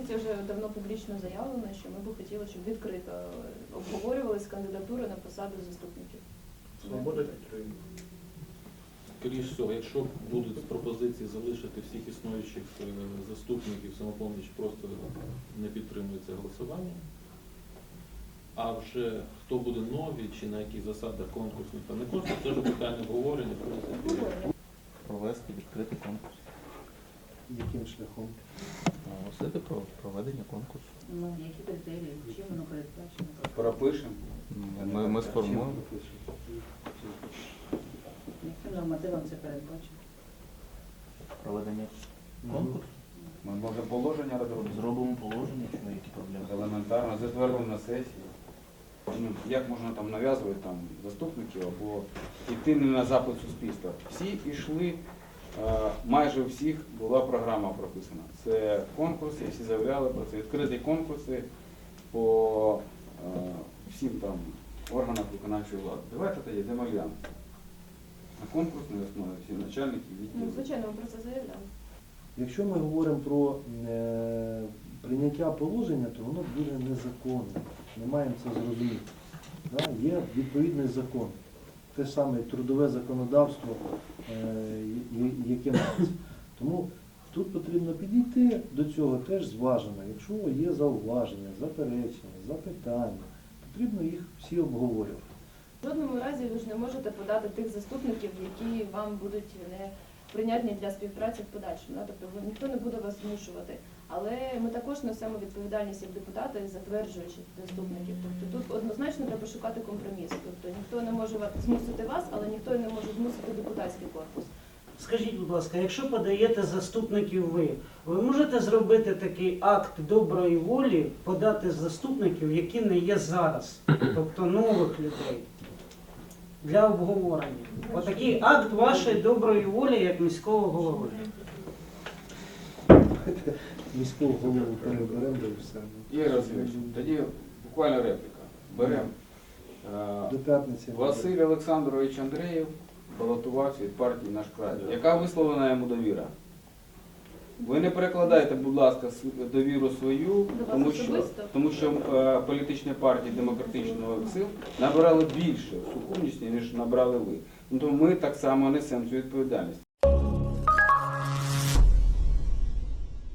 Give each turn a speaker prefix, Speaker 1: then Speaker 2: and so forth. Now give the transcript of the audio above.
Speaker 1: конкурсі вже давно публічно заявлено, що ми б хотіли, щоб відкрито обговорювалися кандидатури на посаду заступників.
Speaker 2: Свобода підтримує.
Speaker 3: Скоріше всього, якщо будуть пропозиції залишити всіх існуючих заступників, «Самопоміч» просто не підтримує це голосування. А вже хто буде нові, чи на яких засадах конкурсних та не конкурс, це вже питання обговорення.
Speaker 4: Провести відкритий конкурс.
Speaker 2: Яким шляхом?
Speaker 4: Оголосити про проведення конкурсу.
Speaker 5: Ну, які критерії, чим воно передбачено?
Speaker 6: Пропишемо.
Speaker 4: Ми сформуємо.
Speaker 5: Яким нормативом це передбачено?
Speaker 4: Проведення конкурсу.
Speaker 6: Ми можемо положення розробити.
Speaker 4: Зробимо положення, що які проблеми.
Speaker 6: Елементарно, затвердимо на сесії. Ну, як можна там нав'язувати там, заступників або йти не на запит суспільства? Всі йшли, майже у всіх була програма прописана. Це конкурси, всі заявляли про це. Відкриті конкурси по всім там органам виконавчої влади. Давайте тоді демоглянемо. На конкурсній основі всі начальники
Speaker 1: Ну,
Speaker 6: відділів.
Speaker 1: звичайно, ми про це заявляли.
Speaker 2: Якщо ми говоримо про прийняття положення, то воно буде незаконне. Ми маємо це зрозуміти. Да? Є відповідний закон. Те ж саме трудове законодавство, яке мається. Тому тут потрібно підійти до цього теж зважено. Якщо є зауваження, заперечення, запитання, потрібно їх всі обговорювати.
Speaker 1: В жодному разі ви ж не можете подати тих заступників, які вам будуть не прийнятні для співпраці в подальшому. Да? Тобто ніхто не буде вас змушувати. Але ми також несемо відповідальність як депутати, затверджуючи заступників. Тобто тут однозначно треба шукати компроміс. Тобто ніхто не може змусити вас, але ніхто і не може змусити депутатський корпус.
Speaker 7: Скажіть, будь ласка, якщо подаєте заступників ви можете зробити такий акт доброї волі, подати заступників, які не є зараз, тобто нових людей, для обговорення? Отакий акт вашої доброї волі, як міського голови.
Speaker 2: Міського голову переберемо і все.
Speaker 6: Ігор Васильович, тоді буквально репліка. Беремо.
Speaker 2: До п'ятниці.
Speaker 6: Василь Олександрович Андрієв балотувався від партії «Наш край». Яка висловлена йому довіра? Ви не перекладайте, будь ласка, довіру свою, тому що політичні партії демократичного сил набрали більше сукупності, ніж набрали ви. Тому ми так само несемо цю відповідальність.